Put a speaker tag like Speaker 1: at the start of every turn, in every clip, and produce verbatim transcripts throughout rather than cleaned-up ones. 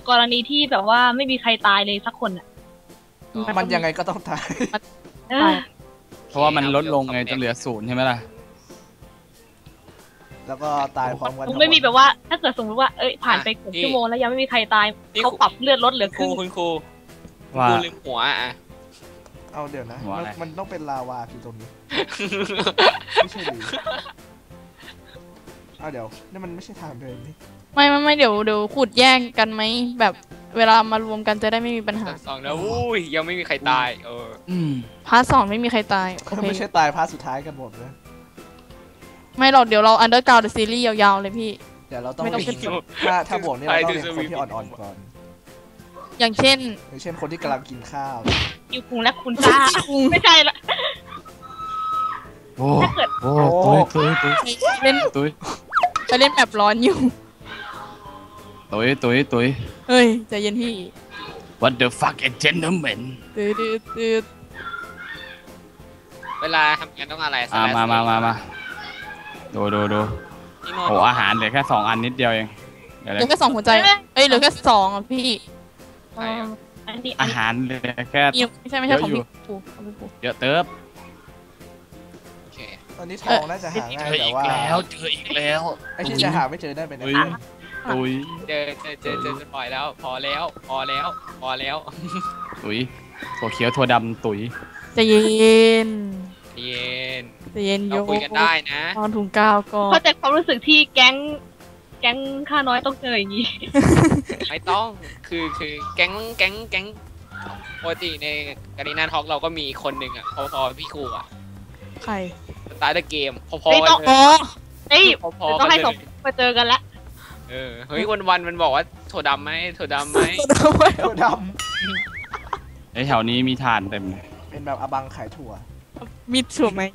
Speaker 1: กรณีที่แบบว่าไม่มีใครตายเลยสักคนอ่ะ
Speaker 2: มันยังไงก็ต้องตาย
Speaker 3: เพราะว่ามันลดลงไงจนเหลือศูนย์ใช่ไหมล่ะ
Speaker 2: แล้วก็ตายพร้อมกัน
Speaker 1: ไม่มีแบบว่าถ้าเกิดสมมติว่าเอ้ยผ่านไปครึ่งชั่วโมงแล้วยังไม่มีใครตายเขาปรับเลือดลดเหลือครึ่ง
Speaker 4: คุณครู
Speaker 3: ว่า
Speaker 4: ลืมหัวอ่ะ
Speaker 2: เอาเดี๋ยวนะมันต้องเป็นลาวาที่ตรงนี้ไม่ใช่หรือเอาเดี๋ยวนี่มันไม่ใช่ทางเดินนี่
Speaker 5: ไม่ไม่ไม่เดี๋ยวเดี๋ยวขุดแยกกันไหมแบบเวลามารวมกันจะได้ไม่มีปัญหา
Speaker 4: สองแล้วอุ้ยยังไม่มีใครตายเออ
Speaker 5: พาร์ทสองไม่มีใครตาย
Speaker 2: ไม่ใช่ตายพาร์ทสุดท้ายกันหมดเลย
Speaker 5: ไม่หรอกเดี๋ยวเราอันเดอร์กราวด์ซีรีส์ยาวๆเลยพี่
Speaker 2: เดี๋ยวเราต้องถ้าถ้าบวกนี่เราต้องเป็นคนที่อ่อนๆก่อน
Speaker 5: อย่างเช่น
Speaker 2: อย่างเช่นคนที่กำลังกินข้าว
Speaker 1: อยู่คุงและคุณจ้าไม่ใช่ละ
Speaker 3: โอ้โหตุ้ยตุ้ยตุ้ย
Speaker 5: เล่น
Speaker 3: ตุ้ย
Speaker 5: ไปเล่นแบบร้อนอยู่
Speaker 3: ตุ้ยตุ้ยตุ้ย
Speaker 5: เฮ้ยใจเย็นพี่
Speaker 3: What the fuck a gentleman
Speaker 5: ตืดตืด
Speaker 4: เวลาทำงานต้องอะไร
Speaker 3: มามามามาดูดูดูโอ้อาหารเหลือแค่สองอันนิดเดียวเอง
Speaker 5: เหลือแค่สองหัวใจเอ้ยเหลือแค่สองอ่ะพี่
Speaker 3: อาหารเหลือแค่
Speaker 5: ไม่ใช่ไม่ใช่ของพี่ปู
Speaker 3: เยอะเติบ
Speaker 2: ตอนนี้ทองน่าจะหาง่ายแต่ว่า
Speaker 3: แล้วเจออีกแล้ว
Speaker 2: ไอ้ที่จะหาไม่เจอได้เป็นอะไร
Speaker 3: ตุย
Speaker 4: เจอเจอเจอเจอจะปล่อยแล้วพอแล้วพอแล้วพอแล้ว
Speaker 3: ตุยถั่วเขียวถั่วดำตุย
Speaker 5: จะเย็น
Speaker 4: เย็น
Speaker 5: จะเย็นโย
Speaker 4: คุยกันได้นะ
Speaker 5: ตอนถุงกาวก็
Speaker 1: เข้าใจความรู้สึกที่แก๊งแก๊งข้าน้อยต้องเจออย่างนี้
Speaker 4: ไม่ต้องคือคือแก๊งแก๊งแก๊งปกติในการีนาท็อกเราก็มีคนหนึ่งอ่ะพอๆพี่ครูอ่ะ
Speaker 5: ใคร
Speaker 4: ตายเกมพอๆกันเลย
Speaker 1: เฮ้ยต้องให้สองมาเจอกันละ
Speaker 4: เออเฮ้ยวันวันมันบอกว่าถั่วดำไหมถั่วดำไหม
Speaker 2: ถั่วด
Speaker 3: ำไอแถวนี้มีทานเต็มเลย
Speaker 2: เป็นแบบอบังขายถั่ว
Speaker 5: มีถั่วไหม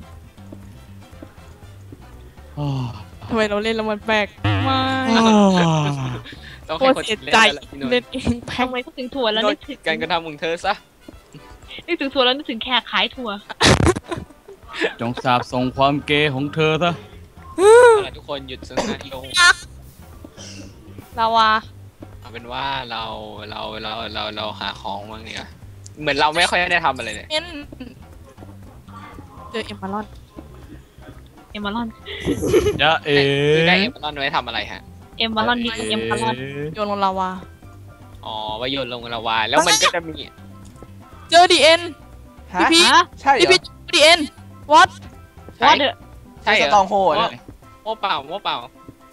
Speaker 5: ทำไมเราเล่นแล้วมันแปลกไม่
Speaker 4: ต้องให้คน
Speaker 5: เสียใจเล่นเองแพง
Speaker 1: ทำไมก็ถึงถั่วแล้วนึกถึง
Speaker 4: การกระทำของเธอซะ
Speaker 1: นึกถึงถั่วแล้วนึกถึงแขกขายถั่ว
Speaker 3: จงสาบส่งความเกย์ของเธอซะ
Speaker 4: ทุกคนหยุดสนทนาลง
Speaker 5: ลาวา
Speaker 4: เอาเป็นว่าเราเราเราเราเราหาของบ้างเนี่ยเหมือนเราไม่ค่อยได้ทำอะไรเลย
Speaker 5: เจอเอ็มบาลอน
Speaker 1: เอ็มบาลอน
Speaker 3: จะเอ๋
Speaker 4: ได้เอ็มบาลอนไว้ทำอะไรฮะ
Speaker 1: เอ็มบาลอนมีเอ็มบาลอน
Speaker 5: โยนลงลาวา
Speaker 4: อ๋อว่าโยนลงลาวาแล้วมันก็จะมี
Speaker 5: เจอดีเอ็น
Speaker 2: พี่พีใช่เหรอ
Speaker 5: พี่ดีเอ็นวัด
Speaker 1: วัด
Speaker 4: ใช่เหรอ
Speaker 2: ตองโหด
Speaker 4: โม่เปล่าโม่เปล่า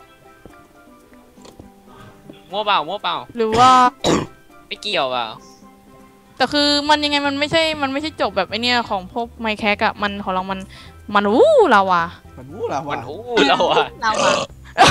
Speaker 4: โม่เปล่าโม่เปล่า
Speaker 5: หรือว่า
Speaker 4: ไม่เกี่ยวเปล่า
Speaker 5: แต่คือมันยังไงมันไม่ใช่มันไม่ใช่จบแบบไอเนี้ยของพวกไมค์แคกอะมันของเรามันมันวู้ลาวา
Speaker 2: มันวู้ลาวา
Speaker 4: มันวู้ลาวา
Speaker 1: ลาวา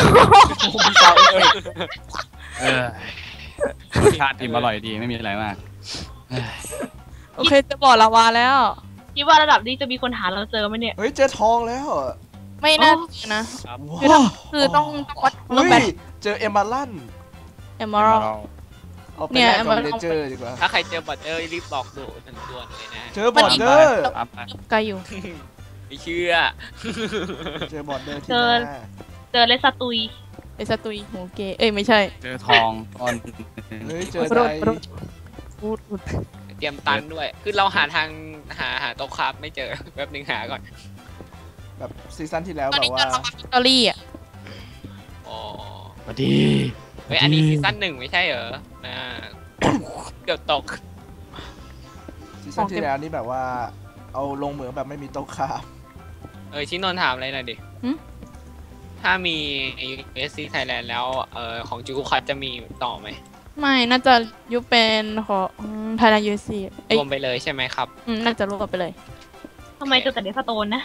Speaker 3: เออชาติอิ่มอร่อยดีไม่มีอะไรมาก
Speaker 5: โอเคจะบอกลาวาแล้ว
Speaker 1: คิดว่าระดับนี้จะมีคนหาเราเจอไหมเนี่ย
Speaker 2: เฮ้ยเจอทองแล้ว
Speaker 5: ไม่น่านะคือคือต้องวัดต้องแบบ
Speaker 2: เจอเอมบาลัน
Speaker 5: เอมบาลัน
Speaker 2: เนี่ยเอมบาลันเจอดีกว่า
Speaker 4: ถ้าใครเจอบอดเดอร์รีบบอกดูทันด่วนเลยนะ
Speaker 2: เจอบอดเดอร์
Speaker 5: ไกลอยู่
Speaker 4: ไม่เชื่อ
Speaker 2: เจอบอดเดอร์ที่
Speaker 1: เจอเจอเลสตุย
Speaker 5: เลสตุยโหเกเอ้ยไม่ใช่
Speaker 3: เจอทองตอน
Speaker 2: เฮ้ยเจออะไร
Speaker 5: พูดพูด
Speaker 4: เตรียมตันด้วยคือเราหาทางหาหาโต๊ะครับไม่เจอแป๊บนึงหาก่อน
Speaker 2: แบบซีซั่นที่แล้วแบบว่า
Speaker 5: สตอรี่อ่ะ
Speaker 4: อ๋อ
Speaker 3: สวัสดี
Speaker 4: เฮ้ยอันนี้ซีซั่นหนึ่งไม่ใช่เหรอนะเกือบตก
Speaker 2: ซีซั่นที่แล้วนี่แบบว่าเอาลงเหมืองแบบไม่มีโต๊ะครับ
Speaker 4: เออชินนท์ถามอะไรหน่อยดิถ้ามี ยู เอส ซี Thailand แล้วเออของจูกุคัตจะมีต่อไหม
Speaker 5: ไม่น่าจะยุบเป็นของไทยแลนด์ ยู เอส ซี
Speaker 4: รวมไปเลยใช่ไหมครับ
Speaker 5: อืมน่าจะรวมไปเลย
Speaker 1: ทำไมเจอแต่เดสโตนนะ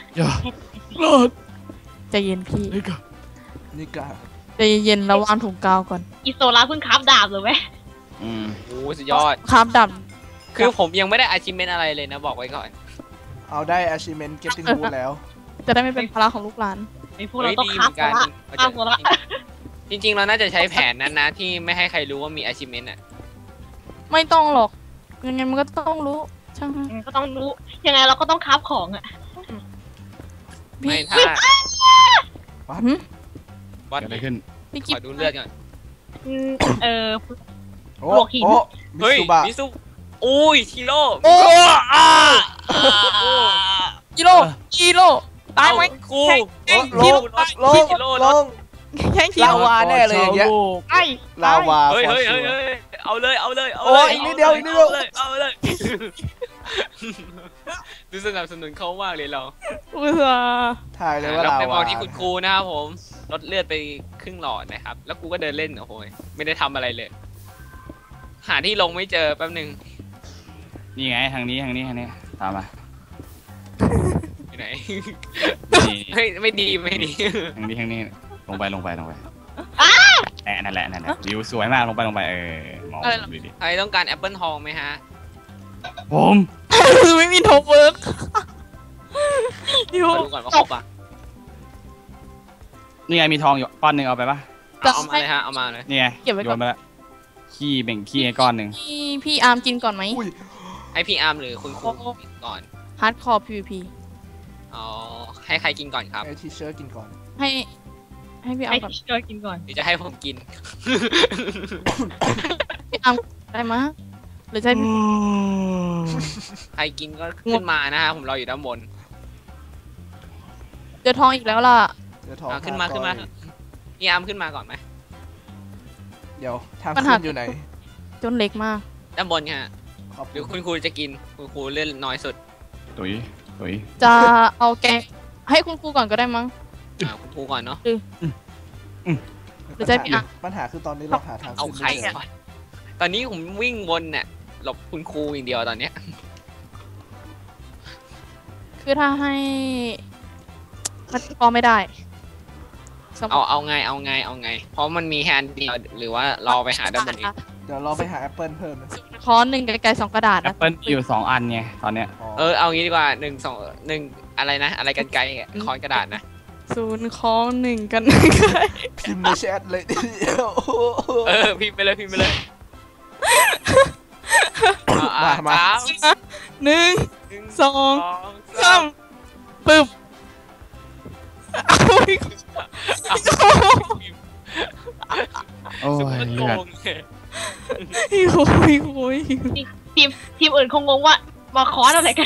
Speaker 5: ใจเย็นพี่
Speaker 2: นี่กา
Speaker 5: ใจเย็นระวังถุงกาวก่อน
Speaker 1: อิโซล่าเพิ่งคราฟดาบเลยไหม
Speaker 4: อืมโอ้สุดยอด
Speaker 5: คราฟดาบ
Speaker 4: คือผมยังไม่ได้ achievement อะไรเลยนะบอกไว้ก่อน
Speaker 2: เอาได้ achievement getting wood แล้ว
Speaker 5: จะได้ไม่เป็นภาระของลูกหลาน
Speaker 1: ไอ้พวกเราต้องคราฟละคราฟละ
Speaker 4: จริงๆเราน่าจะใช้แผนนั้นนะที่ไม่ให้ใครรู้ว่ามี achievement อ่ะ
Speaker 5: ไม่ต้องหรอกยังไงมันก็ต้องรู้ช่าง
Speaker 1: ก็ต้องรู้ยังไงเราก็ต้องคราฟของอ่ะ
Speaker 4: ไม่ถ้า
Speaker 2: วัด
Speaker 3: วัดอะไรขึ้น
Speaker 4: ขอดูเลือดก่อน
Speaker 1: เออ
Speaker 2: โโอ้
Speaker 1: บวกหิน
Speaker 2: โอ้มิ
Speaker 4: เฮ้ย
Speaker 2: ซูบะ
Speaker 4: มิซุอุ้ยชิโร่
Speaker 5: โอ้
Speaker 4: อ่า
Speaker 5: กิโลกิโลตายไหม
Speaker 4: ครู
Speaker 2: โอ้ล
Speaker 5: ชิ
Speaker 2: ง
Speaker 5: โร่
Speaker 2: ลง
Speaker 4: ชิโร่
Speaker 2: ลง
Speaker 5: แข่งชิ
Speaker 2: ลา
Speaker 5: โร่
Speaker 2: วาแน่เลยอย่างเงี้ย
Speaker 5: ไอ้
Speaker 2: ลาวา
Speaker 4: เฮ้ย
Speaker 2: ฟอ
Speaker 4: เฮ้ย
Speaker 2: ร์
Speaker 4: เฮ้ย
Speaker 2: ชัว
Speaker 4: เฮ้ยเอาเลยเอาเลยเอา
Speaker 2: โอ้
Speaker 4: เลย
Speaker 2: อีกนิดเดียวอีกนิดเดียว
Speaker 4: อาเลยเอาเลยดูสนับสนุนเขามากเลยเรา
Speaker 5: อุตส่าห์
Speaker 2: ถ่ายเลยว่า
Speaker 4: เรา
Speaker 2: ลา
Speaker 4: ไปม
Speaker 2: วา
Speaker 4: องที่คุณครูนะครับผมลดเลือดไปครึ่งหลอดนะครับ แล้วกูก็เดินเล่นโอ้โหไม่ได้ทำอะไรเลย หาที่ลงไม่เจอแป๊บหนึ่ง
Speaker 3: นี่ไงทางนี้ทางนี้ทางนี้ตามมา
Speaker 4: อยู่ไหน
Speaker 3: นี่
Speaker 4: เฮ้ยไม่ดีไม่ดี
Speaker 3: ทางนี้ทางนี้ลงไปลงไปลงไปแอะนั่นแหละนั่นแหละวิวสวยมากลงไปลงไปเออมองดูดิ
Speaker 4: ใครต้องการแอปเปิลทองไหมฮะ
Speaker 3: ผม
Speaker 5: คือไม่มีโทเวิร์กอยู่
Speaker 4: มาดูก่อนว่าครบปะ
Speaker 3: นี่ไงมีทองอยู่ก้อนหนึ่งเอาไปปะ
Speaker 4: เอาเอามาเลยฮะเอามาเลย
Speaker 3: นี่ไง
Speaker 5: เก็บไว้
Speaker 3: โย
Speaker 5: ก่อน
Speaker 3: นไปละขี้แบ่งขี้ให้ก้อนหนึ่ง
Speaker 5: พี่พี่อาร์มกินก่อนไหม
Speaker 2: อุ้ย
Speaker 4: ให้พี่อาร์มหรือคุณครูกินก่อน
Speaker 5: ฮาร์ดคอร์ พี วี พี
Speaker 4: อ๋อให้ใครกินก่อนครับ
Speaker 2: ไอทีเชิร์กินก่อน
Speaker 5: ให้ให้พี่อา
Speaker 1: ให้
Speaker 5: ร์มก่อน
Speaker 1: เกิดกินก่อน
Speaker 4: หรือจะให้ผมกิน
Speaker 5: พี่อาร์มได้มะหรือจะให้พี่
Speaker 4: ใครกินก็ขึ้นมานะฮะผมรออยู่ด้านบน
Speaker 5: เจอทองอีกแล้วล่ะ
Speaker 2: เดี๋ยวทอง
Speaker 4: อ่ะขึ้นมาขึ้นมาพี่อาร์มขึ้นมาก่อนไหม
Speaker 2: เดี๋ยวทาง
Speaker 5: ปัญหา
Speaker 2: ขึ้นอยู่ไหน
Speaker 5: จนเล็กมาก
Speaker 4: ด้านบนฮะ
Speaker 2: ขอบ
Speaker 4: หรือ
Speaker 2: คุ
Speaker 4: คุณ ณครูจะกินคุณครูเล่นน้อยสุด
Speaker 3: ตุ๋ยตุ๋ย
Speaker 5: จะเอาแกงให้คุณครูก่อนก็ได้มั้ง
Speaker 4: อ่าคุณครูก่อนเนาะ
Speaker 5: หรือจะให้พี่อ่ะ
Speaker 2: ปัญหาคือตอนนี้เราหาทาง
Speaker 4: เอา
Speaker 2: ขึ้น
Speaker 4: ใคร
Speaker 2: ไม่เจอ
Speaker 4: ก่อนตอนนี้ผมวิ่งวนเนี่ยหลบคุณครูอย่างเดียวตอนเนี้ย
Speaker 5: คือถ้าให้มันพอไม่ได้สม
Speaker 4: เอาเอาไงเอาไงเอาไง เพราะมันมีแฮนด์เดียวหรือว่ารอไปหาด้านบนอีก
Speaker 2: เดี๋ยวเราไปหาแอปเปิลเพิ่มนะ
Speaker 5: คอนหนึ่งไกลๆสองกระดาษ
Speaker 3: แอ
Speaker 5: นะ
Speaker 3: ปเปิลมีอยู่สองอันไงตอนเนี้ย
Speaker 4: เออเอางี้ดีกว่าหนึ่งสองหนึ่งอะไรนะ อะไรกันไกลอะคอนกระดาษนะ
Speaker 5: ศูนย์คอนหนึ่งกัน
Speaker 2: พิมพ์ในแชทเลยทีเดียว
Speaker 4: เออพิมพ์ไปเลยพิมพ์ไปเลยเอาอ่ะ
Speaker 2: มามา
Speaker 4: สาม
Speaker 5: หนึ่ง
Speaker 4: หนึ่ง
Speaker 5: สอง
Speaker 4: สอง
Speaker 5: สามปึ๊บเอาอีก
Speaker 4: เอา
Speaker 3: โอ้
Speaker 4: สุด
Speaker 3: ย
Speaker 4: มันโก
Speaker 3: เลือด
Speaker 4: งเลย
Speaker 5: โอ้ยโอ้ย
Speaker 1: ทีมทีมอื่นคงงงว่ามาคอร์สอะไรกัน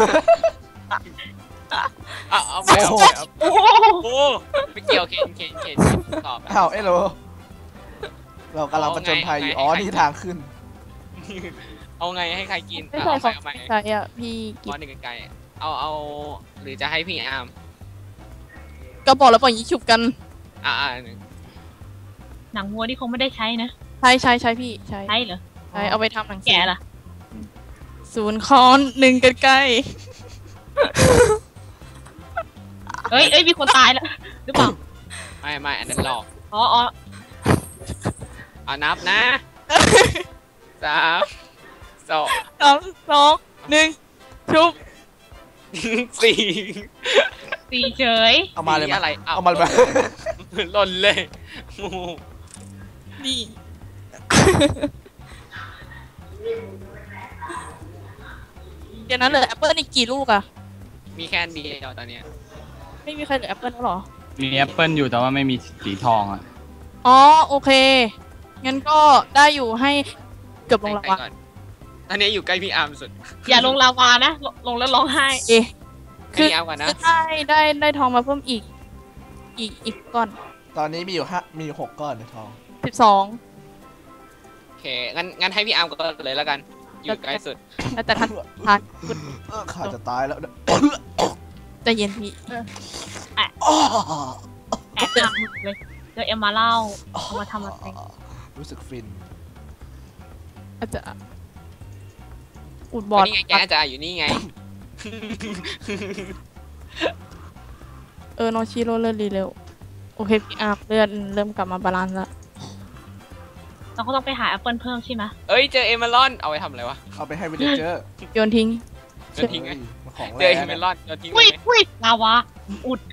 Speaker 4: เอาเอาไปเอาไปเอา
Speaker 1: โอ้โห
Speaker 4: โอ้ไม่เกี่ยวเคนเคนเคนตอบอะ
Speaker 2: อ้าวเอ้โลเรากำลังประจนภัยอยู่
Speaker 4: เอาไง
Speaker 2: อ๋อ
Speaker 4: ไง
Speaker 2: นี่ทางขึ้น
Speaker 4: เอาไงให้ใครกิน
Speaker 5: ไม่
Speaker 4: เอา
Speaker 5: ใช่ข
Speaker 4: ไป
Speaker 5: อง
Speaker 4: เอาไป
Speaker 5: ใช่อ่ะพี่กิ
Speaker 4: ก้อน นหนึ่งไกลๆเอาเอาหรือจะให้พี่อาร์ม
Speaker 5: ก็บอกแล้วปล่อยยิงฉุบกัน
Speaker 4: อ่าอ่าหนึ่ง
Speaker 1: หนังวัวที่คงไม่ได้ใช้นะ
Speaker 5: ใช่ใช่ใช่พี่ใช่
Speaker 1: ใช่เหรอ
Speaker 5: ใช่เอาไปทำหนังสือ
Speaker 1: แก่ล่ะ
Speaker 5: ศูนย์คอนหนึ่งกันใกล้
Speaker 1: เอ้ยเอ้ยมีคนตายแล้วหรือเปล่า
Speaker 4: ไม่ไม่อันนั้นหลอก
Speaker 1: อ๋ออ๋อ
Speaker 4: เอานับนะสามสอง
Speaker 5: สามสองหนึ่งชุบ
Speaker 4: สี่
Speaker 1: ตีเฉย
Speaker 2: เอามาเลย
Speaker 4: สี่อะไรเอา
Speaker 2: เอามาเลย
Speaker 4: หล่นเลยโอ้โห
Speaker 5: นี่ เดี๋ยวนั้นเหลือแอปเปิลอีกกี่ลูกอะ
Speaker 4: มีแค่อันเดียวตอนเนี้ย
Speaker 5: ไม่มีใครเหลือแอปเปิลแล้วเหรอ
Speaker 3: มีแอปเปิลอยู่แต่ว่าไม่มีสีทองอ่ะ
Speaker 5: อ๋อโอเค งั้นก็ได้อยู่ให้เกือบลงละ
Speaker 4: ใคร
Speaker 5: วะ
Speaker 4: ก่อนตอนนี้อยู่ใกล้พี่อาร์มสุด
Speaker 1: อย่าลงลาวานะลงลงแล้วร้องไห้
Speaker 5: เอะ
Speaker 4: ใกล้พี่อาร์มก่อนนะ
Speaker 5: คือได้ได้ได้ทองมาเพิ่มอีก อีกอีกก้อน
Speaker 2: ตอนนี้มีอยู่ห้ามีอยู่หกก้อนในทอง
Speaker 5: สิบสอง
Speaker 4: โอเคงั้นงั้นให้พี่อาร์มก่อนเลยแล้วกัน อยู่ใกล้สุด
Speaker 5: แล้วแต่ท่านทาน
Speaker 2: เออขาจะตายแล้วเนี่ย
Speaker 5: ใจเย็นพี่
Speaker 2: อ้อ
Speaker 1: แอบหนักหมึกเลยเจอเอ็มมาเล่าเอามาทำอะไร
Speaker 2: รู้สึกฟิน
Speaker 5: อาจจะอุดบ
Speaker 4: บ
Speaker 5: อ
Speaker 4: อ
Speaker 5: ด
Speaker 4: นี่ไงแกอาจารย์อยู่นี่ไง
Speaker 5: เออโนชิโร่เลือดรีเร็วโอเคพี่อาร์มเลือดเริ่มกลับมาบาลานซ์ละ
Speaker 1: เราก็ต้องไปหาแอปเปิลเพิ่มใช่ไหม
Speaker 4: เอ้ยเจอเอเมอรอนเอาไปทำอะไรวะ
Speaker 2: เอาไปให้วิลเลเจอร์
Speaker 5: โยนทิ้ง
Speaker 4: โยนทิ้งไง
Speaker 2: มันของ
Speaker 4: เจ
Speaker 2: แร
Speaker 4: อเอเมอรอนโยนทิ้ง
Speaker 1: อุ้ย
Speaker 4: ไง
Speaker 1: อุ้ยลาวาอุด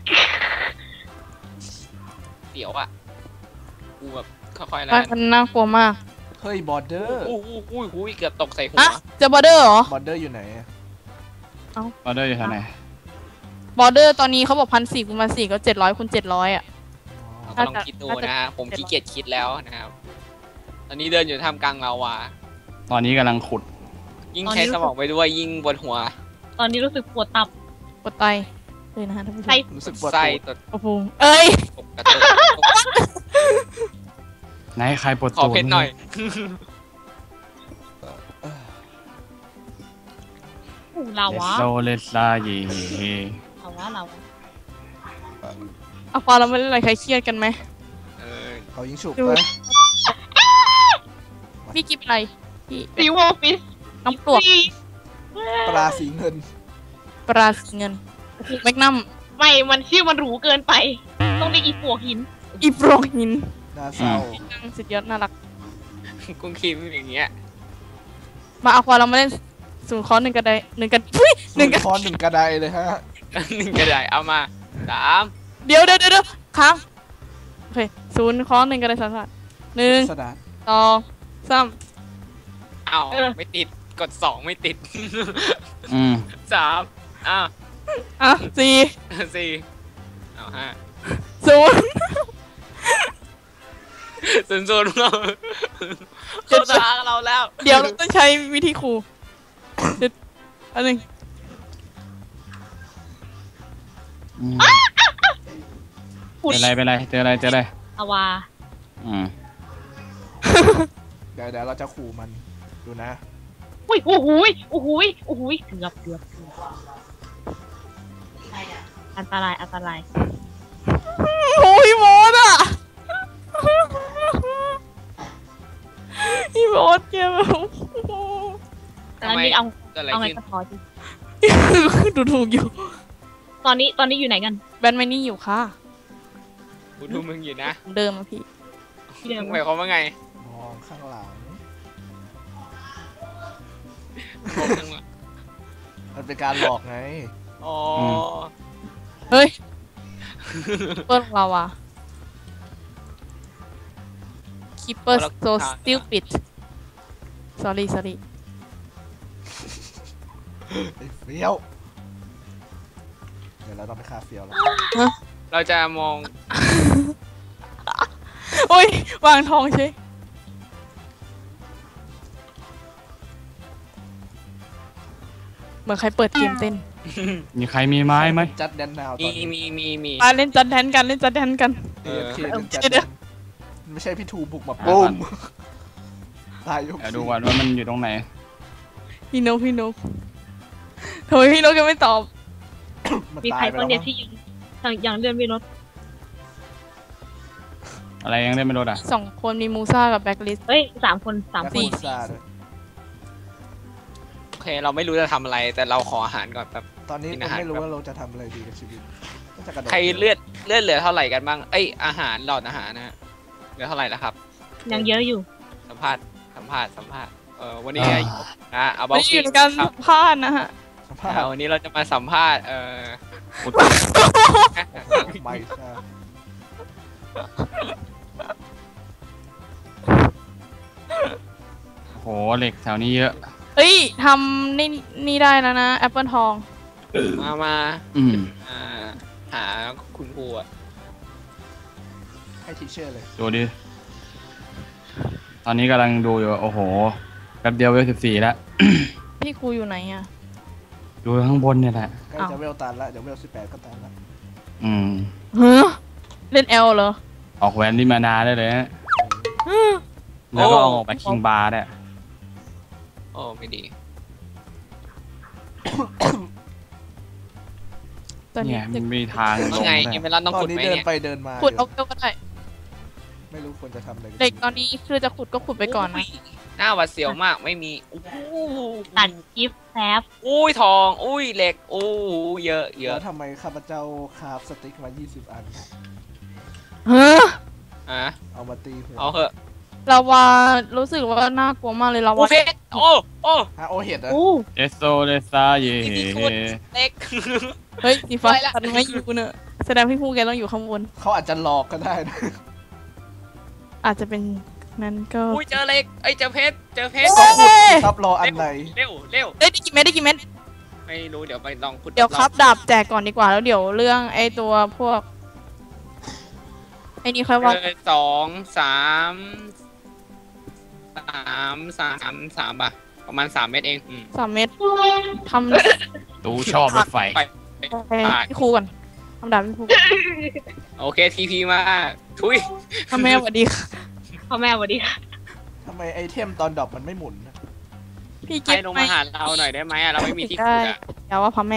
Speaker 4: เสียวอ่ะกูแบบค่อยๆแล้ว
Speaker 5: มันน่ากลัวมาก
Speaker 2: เฮ้ยบอร์เดอร์
Speaker 4: อู้หูหูหูเกือบตกใส่หัว
Speaker 5: อะเจอบอร์เดอร์เหรอ
Speaker 2: บอร์เดอร์อยู่ไหนอะ
Speaker 3: ออเดอร์อยู่ทางไหน
Speaker 5: บอร์เดอร์ตอนนี้เขาบอกพันสี่คูณพันสี่ก็เจ็ดร้อยคูณเจ็ดร้อยอ่ะ
Speaker 4: เราก็ลองคิดดูนะฮะผมขี้เกียจคิดแล้วนะครับตอนนี้เดินอยู่ท่ามกลางลาวา
Speaker 3: ตอนนี้กำลังขุด
Speaker 4: ยิ่งใช้สมองไปด้วยยิ่งปวดหัว
Speaker 1: ตอนนี้รู้สึกปวดตับ
Speaker 5: ปวดไตเลยนะฮะท่านผู้ชม
Speaker 1: ไส้
Speaker 2: รู้สึกปวด
Speaker 4: ไส้
Speaker 2: ตูด
Speaker 4: ตด
Speaker 5: โอ้โหเอ้ย
Speaker 4: ตกกระตุก
Speaker 3: ไหนใครปวด
Speaker 4: ขอ
Speaker 3: ตูด
Speaker 4: เพชรหน่อย
Speaker 1: อู้ลาวะ
Speaker 3: โซเลสลาเย
Speaker 1: ลาวะลาวะ
Speaker 5: เอาพอเราไม่เล่นอะไรใครเครียดกันไหม
Speaker 4: เออ
Speaker 2: เขายิงฉุบ
Speaker 5: ดู
Speaker 2: ไป
Speaker 5: พี่กินอะไรพี่
Speaker 1: ซีวอลฟิส
Speaker 5: น้ำปลวก
Speaker 2: ปลาสีเงิน
Speaker 5: ปลาสีเงินแมกนัม
Speaker 1: ไม่มันชื่อมันหรูเกินไป ต้องได้อีปวกหิน
Speaker 5: อีโปรหิน
Speaker 2: น่าเศร้า
Speaker 5: สุดยอดน่ารัก
Speaker 4: กุ้งคิมอย่างเงี้ย
Speaker 5: มาเอาพอเรามาเล่นศูนย์คอร์สหนึ่งกระไดหนึ่งกระทุยห
Speaker 2: หนึ่
Speaker 5: นึ่
Speaker 2: ง
Speaker 5: งกระ
Speaker 2: คอนหนึ่งกระไดเลยฮะ
Speaker 4: หนึ่งกระดาษเอามาสาม
Speaker 5: เดี๋ยวเดี๋ยวเดี๋ยวค้างโอเคศูนย์คอร์สหนึ่งกระไดสันสันหนึ่ง
Speaker 2: สดา
Speaker 5: สองสาม
Speaker 4: เอาไม่ติดกดสองไม่ติด
Speaker 3: อืม
Speaker 4: สามอ้าว
Speaker 5: อ่ะสี่
Speaker 4: สี่เอาห้า
Speaker 5: ศูนย์
Speaker 4: ศูนย์ศูนย์เราเขาตาเราแล้ว
Speaker 5: เดี๋ยวเราต้องใช้วิธีครูเดี๋ยวอันหนึ่ง
Speaker 3: อืมเป็นไรเป็นไรเจออะไรเจออะไร
Speaker 1: ลาวา
Speaker 3: อืม
Speaker 2: เดี๋ยวเดี๋ยวเราจะขู่มันดูนะ
Speaker 1: อุ้ยโอ้โหยโอ้โหยโอ้โหยเกือบเกือบเกือบอันตรายอันตราย
Speaker 5: โอ้ยโมดอ่ะอีโมดเจ็บ
Speaker 1: แล้วนี่เอา
Speaker 4: เกิดอะไร
Speaker 1: เอาไง
Speaker 4: ขึ้น
Speaker 1: ก็พอจี
Speaker 5: ดูถูกอยู่
Speaker 1: ตอนนี้ตอนนี้อยู่ไหนกัน
Speaker 5: แบนไม่นี่อยู่ค่ะ
Speaker 4: กูดูมึงอยู่นะ
Speaker 5: เดิมอะพี่
Speaker 1: ที่เดิม
Speaker 4: หมายความว่าไง
Speaker 2: มองข้างหลัง มันเป็นการหลอกไง
Speaker 4: อ๋อ
Speaker 5: เฮ้ยเปิ้ลของเราอะ Keeper so stupid sorry sorry
Speaker 2: ไอ้เฟี้ยว เดี๋ยวเราต้องไปฆ่าเฟี้ยวแล้ว
Speaker 4: เราจะมอง
Speaker 5: โอ้ย วางทองใช่เหมือนใครเปิดเกมเต้น
Speaker 3: มีใครมีไม้ไหม
Speaker 2: จัดแดนนาวต
Speaker 4: มี
Speaker 2: อนนี้
Speaker 4: มีมีมี
Speaker 5: มาเล่นจัดแทนกันเล่นจัดแทนกัน
Speaker 2: เอฟเคเล่นจัด
Speaker 5: เดี๋
Speaker 2: แด
Speaker 5: ยว
Speaker 2: นไม่ใช่พี่ทูบุกมาปุ้มตายยก
Speaker 3: เดี๋ยวดูก่อนว่ามันอยู่ตรงไหน
Speaker 5: พี่นกพี่นกทำไมพี่นกยังไม่ตอบ
Speaker 2: มัน
Speaker 1: มี
Speaker 2: ตา
Speaker 1: ใคร
Speaker 2: ยไป
Speaker 1: บ้า
Speaker 2: แล้
Speaker 1: ง
Speaker 2: ว
Speaker 1: เนี่ย
Speaker 2: มั้ง
Speaker 1: ที่ยังยังยังเลื่อนไม่ลด
Speaker 3: อะไรยังได้ไม่รู้อ่ะ
Speaker 5: สองคนมีมูซ่ากับแบ็คลิส
Speaker 1: เฮ้ยสามคนสาม
Speaker 2: แล้ว
Speaker 1: ค
Speaker 2: คุ
Speaker 1: น
Speaker 2: ณซ่าด้วย
Speaker 4: โอเค เราไม่รู้จะทำอะไร แต่เราขออาหารก่อนแบบ
Speaker 2: ตอนนี้
Speaker 4: กิน
Speaker 2: เรา
Speaker 4: อาหาร
Speaker 2: ไม่รู้ว่าเราจะทำอะไรดีกับชีวิตก็จะกระโดด
Speaker 4: ใครเลือดเลือดเหลือเท่าไหร่กันบ้าง เอ้ยอาหารหลอดอาหารนะฮะเหลือเท่าไหร่แล้วครับ
Speaker 1: ยังเยอะอยู่
Speaker 4: สัมภาษณ์สัมภาษณ์สัมภาษณ์เออวันนี้นะเอาบอ
Speaker 5: ไม่
Speaker 4: ก
Speaker 5: ได้อยู่ในการสัมภาษณ์นะฮะ
Speaker 2: สภาพ
Speaker 4: อ่าวันนี้เราจะมาสัมภาษณ์เออ
Speaker 2: ไม่ใช่
Speaker 3: โหเหล็กแถวนี้เยอะ
Speaker 5: เฮ้ยทำนี่นี่ได้แล้วนะแอปเปิลทอง
Speaker 4: มามา
Speaker 3: อืม
Speaker 4: อ่าหาคุณครูอะ
Speaker 2: ให้ทีเชอร์เลย
Speaker 3: ดูดิ ตอนนี้กำลังดูอยู่ โอ้โห แป๊บเดียวเวลสิบสี่แล้ว
Speaker 5: พี่ครูอยู่ไหนอ่ะ
Speaker 3: ดูข้างบนเนี่ยแหละ
Speaker 2: ใกล้จะเวลตันละเดี๋ยวเวลสิบแปดก็ตันละ
Speaker 3: อืม
Speaker 5: เฮ้เล่นแอลเหรอ
Speaker 3: ออกแหวนที่มานาได้เลยฮะแล้วก็เอาออกไปคิงบาร์ได้
Speaker 4: โอ้ไม่ดี
Speaker 5: ตอนนี้
Speaker 3: เนี่ยมันมีทางล
Speaker 4: ว่าง ไง
Speaker 3: ได้
Speaker 4: เอเมรัลต้อง
Speaker 2: ตอ
Speaker 4: ขุ
Speaker 2: น
Speaker 4: ด
Speaker 2: นี้
Speaker 4: ไหม
Speaker 2: เดิน
Speaker 4: เนี่ย
Speaker 2: ไปเดินมา
Speaker 5: ขุด
Speaker 2: อ
Speaker 5: เอา
Speaker 2: ยู่
Speaker 5: เกลก็ได้
Speaker 2: ไม่รู้ควรจะทำอะไรบ
Speaker 5: เด็กตอนนี้คือจะขุดก็ขุดไปก่อนนะ
Speaker 4: หน้าหวัดเสียวมากไม่มีอู้
Speaker 1: ตัดกิฟต์แซฟ
Speaker 4: อุ้ยทอง อุ้ยเหล็กอู้เยอะเย
Speaker 2: แล้
Speaker 4: อะ
Speaker 2: วทำไมข้าพเจ้าคราฟสติ๊กมายี่สิบอัน
Speaker 5: เฮ้อ
Speaker 4: อ่ะ
Speaker 2: เอามาตีหัว
Speaker 4: เอาเหอะ
Speaker 5: ลาวารู้สึกว่าน่ากลัวมากเลยลา
Speaker 4: อู้
Speaker 5: วา
Speaker 4: เพชรโอ้โอ้
Speaker 2: ฮะโอเห็ดอะ
Speaker 1: อู้
Speaker 3: เอสโซเลซาเย่
Speaker 4: ที่ที่ขุดเหล็ก
Speaker 5: เฮ้ยสีฟ้า
Speaker 4: ไปละ
Speaker 5: ตัดไม่อยู่เนอะแสดงพี่ผู้แกต้องอยู่ข้างบน
Speaker 2: เขาอาจจะหลอกก็ได้นะ
Speaker 5: อาจจะเป็นนั้นก็
Speaker 4: อุ้ยเจอเหล็กไอ้ยเจอเพชรเจอเพชร
Speaker 5: เอ้ย
Speaker 2: ครับรออันไหน
Speaker 4: เร็วเร็ว
Speaker 5: เอ้ยได้กี่เม็ดได้กี่เม็ด
Speaker 4: ไม่รู้เดี๋ยวไปลองขุด
Speaker 5: เดี๋ยวครับดาบแจกก่อนดีกว่าแล้วเดี๋ยวเรื่องไอ้ตัวพวกไอ้นี่ค่อยว่า
Speaker 4: เออสองสามสามสามสามสามป่ะประมาณสามเมตรเองอืม
Speaker 5: สามเมตรทำ
Speaker 3: ดูชอบรถไฟ
Speaker 4: ไป
Speaker 5: พี่ครูก่อนทำดาบพี่ครู
Speaker 4: โอเคทีพีมาทุย
Speaker 5: ทำแม่สวัสดีค่ะ
Speaker 1: พ่อแม่สวัสดีค่ะ
Speaker 2: ทำไมไอเทมตอนดรอปมันไม่หมุนนะ
Speaker 5: พี่
Speaker 4: ใคร
Speaker 5: เก็บ
Speaker 4: ลง
Speaker 5: ไม่
Speaker 4: มาหาเราหน่อยได้ไหมอะเราไม่มีที่ขุดอะ
Speaker 5: อย่าว่าพ่อแม่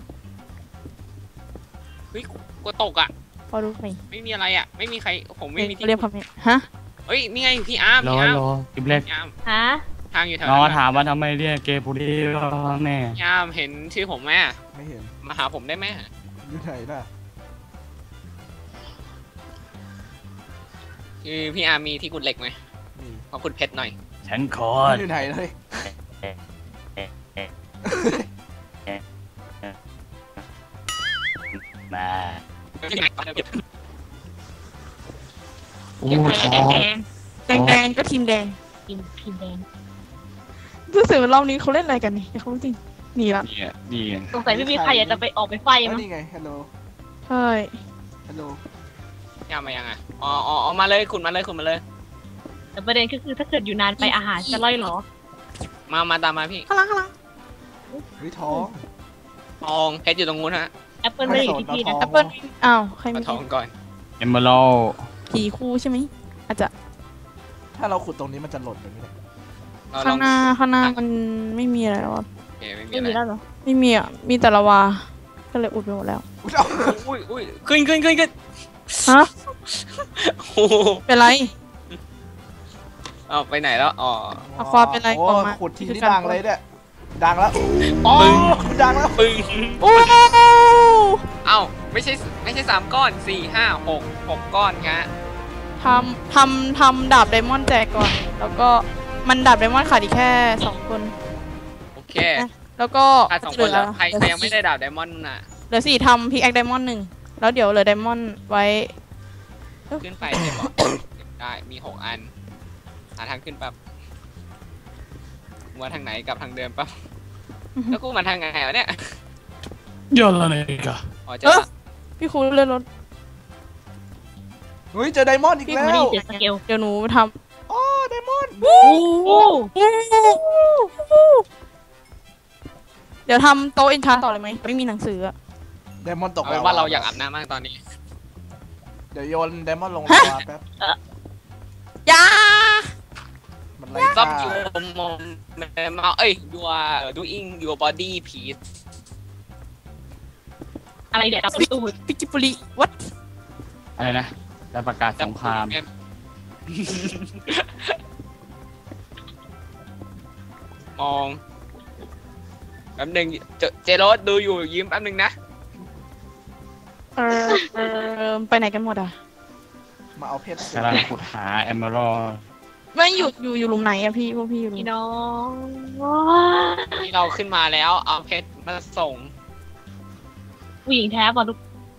Speaker 4: เฮ้ยกูตกอะ
Speaker 5: พอรู้ไหม
Speaker 4: ไม่มีอะไรอะไม่มีใครผมไม่มีที่
Speaker 5: เรียกพ่อแม่ฮะ
Speaker 4: เฮ้ยนี่ไงพี่อาร์ม
Speaker 3: รอ
Speaker 4: พี่อาร์ม
Speaker 3: รอกิบเล็ก
Speaker 4: พี่อาร์ม
Speaker 1: ฮะ
Speaker 4: ทางอยู่แถว
Speaker 3: น้อง
Speaker 4: นั้น
Speaker 3: ถามว่าทำไมเรียกเกย์บุรีว่าแม่
Speaker 4: พี่อาร์มเห็นชื่อผมไหมอะ
Speaker 2: ไม่เห็น
Speaker 4: มาหาผมได้ไหม
Speaker 2: อยู่ไหนน่ะ
Speaker 4: คือพี่อาร์มมีที่ขุดเหล็กไหม
Speaker 2: นี่
Speaker 4: ขอขุดเพชรหน่อย
Speaker 3: ฉันขอ
Speaker 2: มันอยู่ไหนเลย
Speaker 3: มา
Speaker 1: โอ้ทอง
Speaker 5: แดงแดงก็ทีมแดง
Speaker 1: กินพิมพ์แดง
Speaker 5: รู้สึกว่ารอบนี้เขาเล่นอะไรกันนี่เขาจริงหนีละ
Speaker 3: นี่อ่ะนี่ไง
Speaker 1: สงสัยไม่มีใครอยากจะไปออกไปไฟ
Speaker 2: เอ้ย
Speaker 1: มั้ง
Speaker 2: นี่ไงฮัลโหล
Speaker 5: ใช่
Speaker 2: ฮัลโหล
Speaker 4: พี่อาร์มมายังอะอ๋ออ๋อมาเลยขุดมาเลยขุดมาเลย
Speaker 1: แต่ประเด็นก็คือถ้าเกิดอยู่นานไปอาหารจะล่อยหรอ
Speaker 4: มามาตามมาพี่
Speaker 5: ข้างหล่างข้างหล่าง
Speaker 2: วิทอง
Speaker 4: ทองเพชรอยู่ตรงนู้นฮะ
Speaker 1: แอปเปิลไม่ได้อยู่ที่พี่นะ
Speaker 5: แอปเปิ้ลอ้าวใคร
Speaker 4: มา
Speaker 5: มี
Speaker 4: ทองก่อน
Speaker 3: เอมเบอรัล
Speaker 5: ผีคู่ใช่ไหมอาจจะ
Speaker 2: ถ้าเราขุดตรงนี้มันจะหล่นแบบนี้เลย
Speaker 4: เราล
Speaker 5: ข้า
Speaker 4: อง
Speaker 5: งหน้าข้างหน้ามันไม่มีอะไรแล้วอะ
Speaker 4: โอเคไม่มี
Speaker 1: ไม่
Speaker 4: อะไร
Speaker 1: มีแล้วเหรอ
Speaker 5: ไม่มีอ่ะมีแต่ละวาก็เลยอุดไปหมดแล้ว
Speaker 2: อุ๊ยเอา
Speaker 4: อุ้ยอุ้ยขึ้นขึ้นขึ้นขึ้น
Speaker 5: ฮะ
Speaker 4: โอ้โห
Speaker 5: เป็นไร
Speaker 4: เอาไปไหนแล้วอ๋อ
Speaker 5: เอาความเป็นไร
Speaker 2: โอ้
Speaker 5: ออกมา
Speaker 2: ขุดทีนี่ดังเลยเนี่ยดังแล้วอ๋อดังแล้ว
Speaker 4: ปึ้ง
Speaker 5: โอ้
Speaker 4: เอ้าไม่ใช่ไม่ใช่สามก้อนสี่ห้าหกหกก้อนงะ
Speaker 5: ทำทำทำดาบไดมอนด์แจกก่อน แล้วก็มันดาบไดมอนด์ขาดอีกแค่สองคน
Speaker 4: โอเค
Speaker 5: แล้วก็
Speaker 4: อ่ะสองคนแล้วใครใครยังไม่ได้ดาบไดมอนด์น่ะ
Speaker 5: เหลือสี่ทำพิกแอคไดมอนด์หนึ่งแล้วเดี๋ยวเหลือไดมอนด์ไว้
Speaker 4: ขึ้นไปได้บอกได้มีหกอันหาทางขึ้นปั๊บว่าทางไหนกลับทางเดิมปั๊บแล้วกูมาทางไหนวะเนี่ย
Speaker 3: ยอดละเนี่ยกะ
Speaker 4: อ๋อเจอละ
Speaker 5: พี่ครูเลื่อนรถ
Speaker 2: เฮ้ยเจอไดมอนด์อีก
Speaker 1: พี่
Speaker 2: แล้
Speaker 1: ไม่ได้
Speaker 2: ว
Speaker 1: เสียสเกล
Speaker 5: เดี๋ยวหนูท
Speaker 2: อ๋อไดมอนด์
Speaker 1: โอ้โห
Speaker 5: ำเดี๋ยวทำโต๊ะเอนชานต่อเลยไหมไม่มีหนังสืออะ
Speaker 2: ไดมอนด์ตก
Speaker 4: เอาเป็นว่าเราอยากอาบน้ำมากตอนนี้
Speaker 2: เดี๋ยวโยนไดมอนด์ลงลาวาแป๊บ
Speaker 5: ยา
Speaker 2: มันไล่
Speaker 4: ซับ
Speaker 2: ฆ่า
Speaker 4: ยูมอมมาเอ้ยดูว่า doing your body piece
Speaker 1: อะไรเดี๋ยวจับตูด
Speaker 5: ปิจิปุริวัด
Speaker 3: อะไรนะได้ประกาศสงคราม
Speaker 4: มองแป๊บหนึงเจเจโรสดูอยู่ยิ้มแป๊บหนึงนะ
Speaker 5: เออเออไปไหนกันหมดอ่ะ
Speaker 2: มาเอาเพชร
Speaker 3: กำลังขุดหาเอมเบอรัล
Speaker 5: ไม่อยู่อยู่อยู่หลุมไหนอะพี่พวกพี่อยู่หลุ
Speaker 1: พี่
Speaker 5: ม
Speaker 1: น้อง
Speaker 4: ที่เราขึ้นมาแล้วเอาเพชรมาส่ง
Speaker 1: ผู้หญิงแท้ป่ะลูก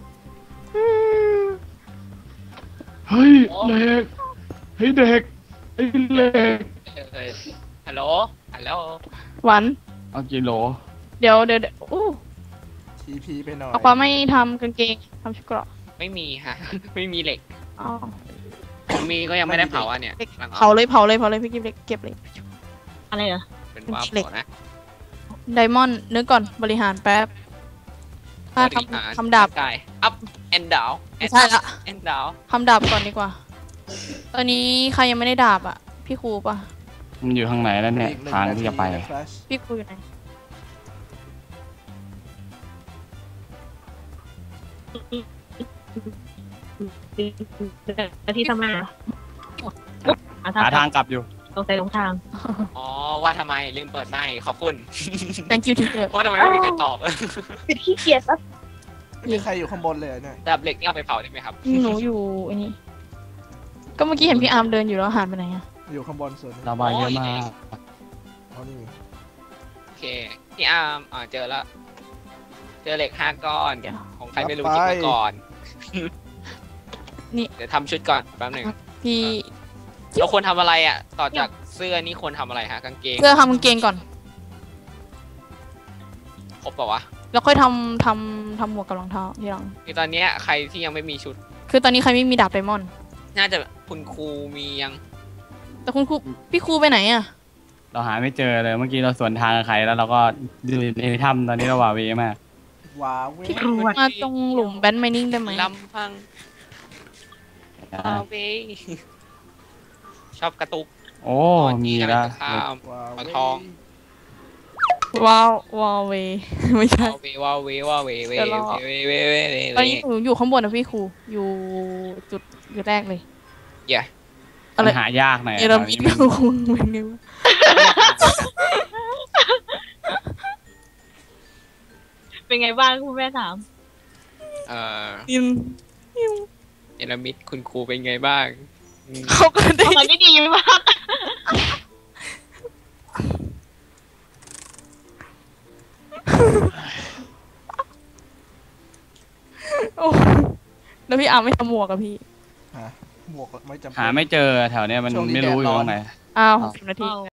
Speaker 3: เฮ้ยเด็กเฮ้ยเด็กไอ้เล็ก
Speaker 4: เอ่อฮัลโหลฮัลโหล
Speaker 5: หวาน
Speaker 3: เอากิโล
Speaker 5: เดี๋ยวเดี๋ยวเดี๋ยวอู้
Speaker 2: ทีพีไปหน่อย
Speaker 5: เอาความไม่ทำกางเกงทำชุดเกราะ
Speaker 4: ไม่มีฮะ ไม่มีเหล็ก
Speaker 5: อ๋อ
Speaker 4: ผมมีก็ยังไม่ได้เผาอ่ะเนี่ย
Speaker 5: เด็ก
Speaker 4: กำลัง
Speaker 5: เผาเลยเผาเลยเผาเลยพี่กิ๊บเก็บเลย
Speaker 1: อะไรเหรอ
Speaker 4: เป็นว่า
Speaker 5: เหล็ก
Speaker 4: เผานะ
Speaker 5: ไดมอนด์นึกก่อนบริหารแป๊บถ้าทำทำดาบ
Speaker 4: ได้ up and down
Speaker 5: ไม่ใช่ละ
Speaker 4: and down
Speaker 5: ทำดาบก่อนดีกว่า ตอนนี้ใครยังไม่ได้ดาบอ่ะ พี่ครูปะ
Speaker 3: มันอยู่ทางไหนแล้วเนี่ย
Speaker 2: อีกหนึ่
Speaker 3: ทาง
Speaker 2: นา
Speaker 3: ที่
Speaker 2: ที
Speaker 3: จะไป
Speaker 2: นะ Flash
Speaker 5: พี่ครูอยู่ไหน
Speaker 1: ที่ทำไมอ่ะ
Speaker 3: หาทางกลับอยู่
Speaker 1: ตรงใจลงทาง
Speaker 4: อ๋อว่าทำไมลืมเปิดไมค์ขอบคุณ
Speaker 5: thank you teacher
Speaker 4: ว่าทำไมไม่มีใครตอบ
Speaker 1: เป็นขี้เกียจซะ
Speaker 2: ไม่มีใครอยู่ข้างบนเลยเนี่ย
Speaker 4: ดับเหล็กนี่เอาไปเผาได้ไหมครับ
Speaker 5: หนูอยู่อันนี้ ก็เมื่อกี้เห็นพี่อาร์มเดินอยู่แล้วหายไปไหนอะ
Speaker 2: อยู่ข้างบนส่วนนี้
Speaker 3: ระบายเยอะมาก
Speaker 2: เอานี่
Speaker 4: โอเคพี่อาร์มอ่าเจอแล้ว เจอเหล็กห้าก้อน
Speaker 5: เดี๋ยว
Speaker 4: ของใครไม่รู้จิบมาก่อน
Speaker 5: นี่
Speaker 4: เดี๋ยวทำชุดก่อนแป๊บหนึ่ง
Speaker 5: พี่
Speaker 4: เราควรทำอะไรอ่ะ ต่อจากเสื้อนี่ควรทำอะไรฮะกางเกง
Speaker 5: เสื้อทำกางเกงก่อน
Speaker 4: ครบเปล่าวะ
Speaker 5: แล้วค่อยทำทำทำหมวกกับรองเท้าทีหลัง
Speaker 4: คือตอนเนี้ยใครที่ยังไม่มีชุด
Speaker 5: คือตอนนี้ใครไม่มีดาบไดมอนด์
Speaker 4: น่าจะคุณครูมียัง
Speaker 5: แต่คุณครูพี่ครูไปไหนอ่ะ
Speaker 3: เราหาไม่เจอเลยเมื่อกี้เราสวนทางกับใครแล้วเราก็ดูในถ้ำตอนนี้เราหวาดเวมาก
Speaker 2: ว้าวเว้ย
Speaker 5: มาตรงหลุมแบนไมนิ่งได้ไหม
Speaker 4: ลำพังเอาไปชอบกระตุก
Speaker 3: โอ้มีแล้ว
Speaker 4: ข้าม
Speaker 2: ว้าว
Speaker 4: เอา
Speaker 2: เว้ย
Speaker 4: ทอง
Speaker 5: ว้าววาวเว ไม่ใช่
Speaker 4: เอาเวว่าเวว่าเวเว
Speaker 5: เดี๋ยวรอ
Speaker 4: เวเวเวเว
Speaker 5: ตอนนี้หนูอยู่ข้างบนนะพี่ครูอยู่จุดจุดแรกเลย
Speaker 4: อย่า
Speaker 5: อะไร
Speaker 3: มันหายากหน่อย
Speaker 5: เอรามิดครูเป็นไงวะ
Speaker 1: เป็นไงบ้างคุณแม่ถาม
Speaker 4: เอ่อ
Speaker 5: นินนิว
Speaker 4: เนลมิดคุณครูเป็นไงบ้างอืม
Speaker 5: เขาก็ได้
Speaker 1: ตอนนี้ดีมาก
Speaker 5: โอ้แล้วพี่อาร์มไม่ทำหมวกกับพี่
Speaker 2: ฮะหมวกไม่จำเป็น
Speaker 3: หาไม่เจอแถวเนี้ยมัน
Speaker 2: ช่วงนี้
Speaker 3: ไม่รู้อ
Speaker 2: แดดร้
Speaker 3: ยู่
Speaker 2: อน
Speaker 3: ตรงไหน
Speaker 5: อ้าวสิบนาที
Speaker 1: เอา